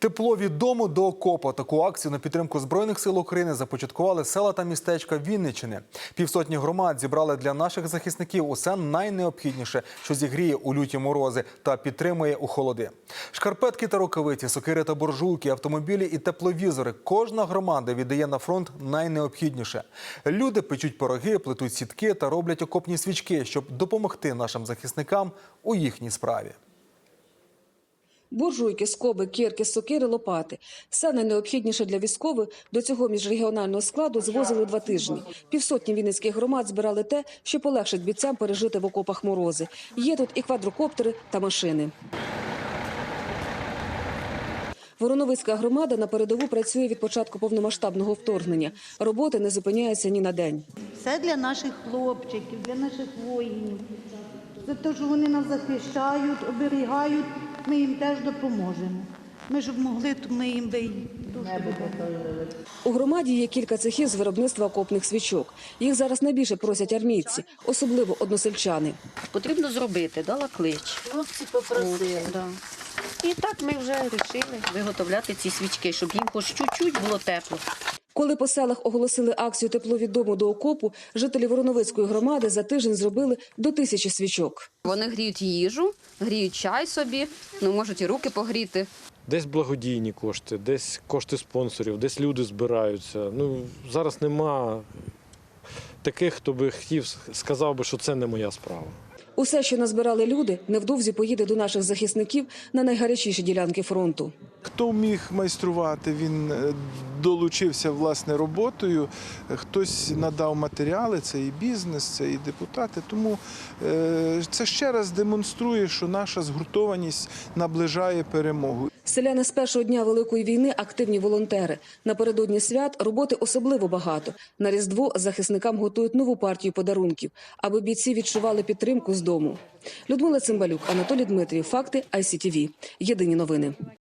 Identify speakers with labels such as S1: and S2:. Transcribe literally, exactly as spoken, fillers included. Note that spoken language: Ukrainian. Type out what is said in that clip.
S1: Тепло від дому до окопа. Таку акцію на підтримку Збройних сил України започаткували села та містечка Вінниччини. Півсотні громад зібрали для наших захисників усе найнеобхідніше, що зігріє у люті морози та підтримує у холоди. Шкарпетки та рукавиці, сокири та буржуйки, автомобілі і тепловізори. Кожна громада віддає на фронт найнеобхідніше. Люди печуть пироги, плетуть сітки та роблять окопні свічки, щоб допомогти нашим захисникам у їхній справі.
S2: Буржуйки, скоби, кирки, сокири, лопати – все найнеобхідніше для військових до цього міжрегіонального складу звозили два тижні. Півсотні вінницьких громад збирали те, що полегшить бійцям пережити в окопах морози. Є тут і квадрокоптери та машини. Вороновицька громада на передову працює від початку повномасштабного вторгнення. Роботи не зупиняються ні на день.
S3: Все для наших хлопчиків, для наших воїнів. За те, що вони нас захищають, оберігають, ми їм теж допоможемо. Ми ж могли, то ми їм би
S2: У громаді є кілька цехів з виробництва окопних свічок. Їх зараз найбільше просять армійці, особливо односельчани.
S4: Потрібно зробити, дала клич.
S3: хлопці попросили.
S4: Да. І так ми вже вирішили виготовляти ці свічки, щоб їм хоч чуть-чуть було тепло.
S2: Коли по селах оголосили акцію «Тепло від дому до окопу», жителі Вороновицької громади за тиждень зробили до тисячі свічок.
S5: Вони гріють їжу, гріють чай собі, ну можуть і руки погріти.
S6: Десь благодійні кошти, десь кошти спонсорів, десь люди збираються. Ну, зараз нема таких, хто би хотів, сказав би, що це не моя справа.
S2: Усе, що назбирали люди, невдовзі поїде до наших захисників на найгарячіші ділянки фронту.
S7: Хто міг майструвати, він долучився власне роботою, хтось надав матеріали, це і бізнес, це і депутати. Тому це ще раз демонструє, що наша згуртованість наближає перемогу.
S2: Селяни з першого дня Великої війни – активні волонтери. Напередодні свят роботи особливо багато. На Різдво захисникам готують нову партію подарунків, аби бійці відчували підтримку з дому. Людмила Цимбалюк, Анатолій Дмитрів. Факти ай сі ті ві. Єдині новини.